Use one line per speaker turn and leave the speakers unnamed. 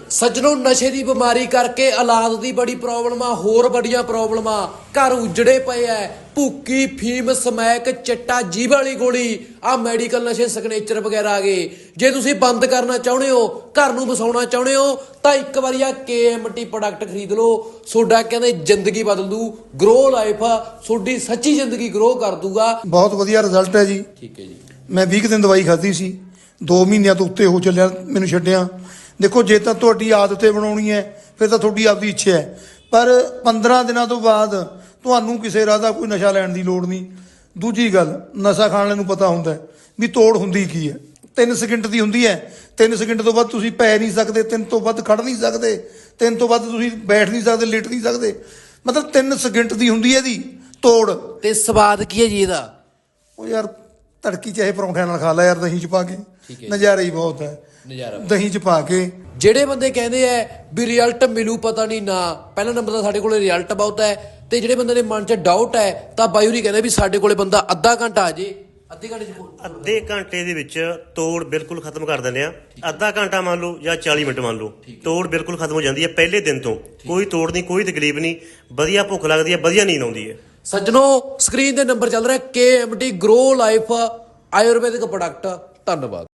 ਸੱਜਣੋ ਨਸ਼ੇ ਦੀ ਬਿਮਾਰੀ ਕਰਕੇ ਔਲਾਦ ਦੀ ਬੜੀ ਪ੍ਰੋਬਲਮ ਆ, ਹੋਰ ਬੜੀਆਂ ਪ੍ਰੋਬਲਮਾਂ, ਘਰ ਉਜੜੇ ਪਏ ਐ। ਭੁੱਕੀ, ਫੀਮ, ਸਮੈਕ, ਚਿੱਟਾ, ਜੀਭ ਵਾਲੀ ਗੋਲੀ, ਆ ਮੈਡੀਕਲ ਨਸ਼ੇ ਸਿਗਨੇਚਰ ਵਗੈਰਾ ਆ ਗਏ। ਜੇ ਤੁਸੀਂ ਬੰਦ ਕਰਨਾ ਚਾਹੁੰਦੇ ਹੋ, ਘਰ ਨੂੰ ਵਸਾਉਣਾ ਚਾਹੁੰਦੇ ਹੋ, ਤਾਂ ਇੱਕ ਵਾਰੀ ਆ KMT ਪ੍ਰੋਡਕਟ ਖਰੀਦ ਲਓ। ਤੁਹਾਡਾ ਕਹਿੰਦੇ ਜ਼ਿੰਦਗੀ ਬਦਲ ਦੂ। ਗਰੋ ਲਾਈਫ ਆ, ਤੁਹਾਡੀ ਸੱਚੀ ਜ਼ਿੰਦਗੀ ਗਰੋ ਕਰ ਦੂਗਾ।
ਬਹੁਤ ਵਧੀਆ ਰਿਜ਼ਲਟ ਹੈ ਜੀ।
ਠੀਕ ਹੈ ਜੀ।
ਮੈਂ 20 ਦਿਨ ਦਵਾਈ ਖਾਧੀ ਸੀ, 2 ਮਹੀਨਿਆਂ ਤੋਂ ਉੱਤੇ ਹੋ ਚੱਲਿਆ ਮੈਨੂੰ ਛੱਡਿਆ। ਦੇਖੋ ਜੇ ਤਾਂ ਤੁਹਾਡੀ ਆਦਤ ਹੈ ਬਣਾਉਣੀ ਹੈ ਫਿਰ ਤਾਂ ਤੁਹਾਡੀ ਆਪਦੀ ਇੱਛਾ ਹੈ, ਪਰ 15 ਦਿਨਾਂ ਤੋਂ ਬਾਅਦ ਤੁਹਾਨੂੰ ਕਿਸੇ ਰਾਹ ਦਾ ਕੋਈ ਨਸ਼ਾ ਲੈਣ ਦੀ ਲੋੜ ਨਹੀਂ। ਦੂਜੀ ਗੱਲ, ਨਸ਼ਾ ਖਾਣ ਵਾਲੇ ਨੂੰ ਪਤਾ ਹੁੰਦਾ ਵੀ ਤੋੜ ਹੁੰਦੀ ਕੀ ਹੈ। 3 ਸਕਿੰਟ ਦੀ ਹੁੰਦੀ ਹੈ। 3 ਸਕਿੰਟ ਤੋਂ ਬਾਅਦ ਤੁਸੀਂ ਪੈ ਨਹੀਂ ਸਕਦੇ, 3 ਤੋਂ ਵੱਧ ਖੜ ਨਹੀਂ ਸਕਦੇ, 3 ਤੋਂ ਵੱਧ ਤੁਸੀਂ ਬੈਠ ਨਹੀਂ ਸਕਦੇ, ਲਿਟ ਨਹੀਂ ਸਕਦੇ। ਮਤਲਬ 3 ਸਕਿੰਟ ਦੀ ਹੁੰਦੀ ਹੈ ਇਹਦੀ ਤੋੜ।
ਤੇ ਸਵਾਦ ਕੀ ਹੈ ਜੀ ਇਹਦਾ?
ਉਹ ਯਾਰ ਤੜਕੀ ਚਾਹੇ ਪਰੌਂਠਿਆਂ ਨਾਲ ਖਾ ਲੈ ਯਾਰ, ਦਹੀਂ ਚ ਪਾ ਕੇ, ਨਜ਼ਾਰਾ ਹੀ ਬਹੁਤ ਹੈ।
ਨਜ਼ਾਰਾ
ਦਹੀਂ ਚ ਪਾ ਕੇ।
ਜਿਹੜੇ ਬੰਦੇ ਕਹਿੰਦੇ ਆ ਵੀ ਰਿਜ਼ਲਟ ਮਿਲੂ ਪਤਾ ਨਹੀਂ ਨਾ, ਪਹਿਲਾ ਨੰਬਰ ਤਾਂ ਸਾਡੇ ਕੋਲੇ ਰਿਜ਼ਲਟ ਬਹੁਤ ਹੈ। ਤੇ ਜਿਹੜੇ ਬੰਦੇ ਦੇ ਮਨ 'ਚ ਡਾਊਟ ਹੈ ਤਾਂ ਬਾਈ ਹੋਰੀ ਕਹਿੰਦੇ ਵੀ ਸਾਡੇ ਕੋਲੇ ਬੰਦਾ ਅੱਧਾ ਘੰਟਾ ਆ ਜੇ,
ਅੱਧੇ ਘੰਟੇ ਦੇ ਵਿੱਚ ਤੋੜ ਬਿਲਕੁਲ ਖਤਮ ਕਰ ਦਿੰਦੇ ਆ। ਅੱਧਾ ਘੰਟਾ ਮੰਨ ਲਓ ਜਾਂ 40 ਮਿੰਟ ਮੰਨ ਲਓ, ਤੋੜ ਬਿਲਕੁਲ ਖਤਮ ਹੋ ਜਾਂਦੀ ਹੈ ਪਹਿਲੇ ਦਿਨ ਤੋਂ। ਕੋਈ ਤੋੜ ਨਹੀਂ, ਕੋਈ ਤਕਲੀਫ ਨਹੀਂ, ਵਧੀਆ ਭੁੱਖ ਲੱਗਦੀ ਹੈ, ਵਧੀਆ ਨੀਂਦ ਆਉਂਦੀ ਹੈ।
ਸੱਜਣੋ ਸਕਰੀਨ ਤੇ ਨੰਬਰ ਚੱਲ ਰਿਹਾ KMT grow life ayurvedic product. ਧੰਨਵਾਦ।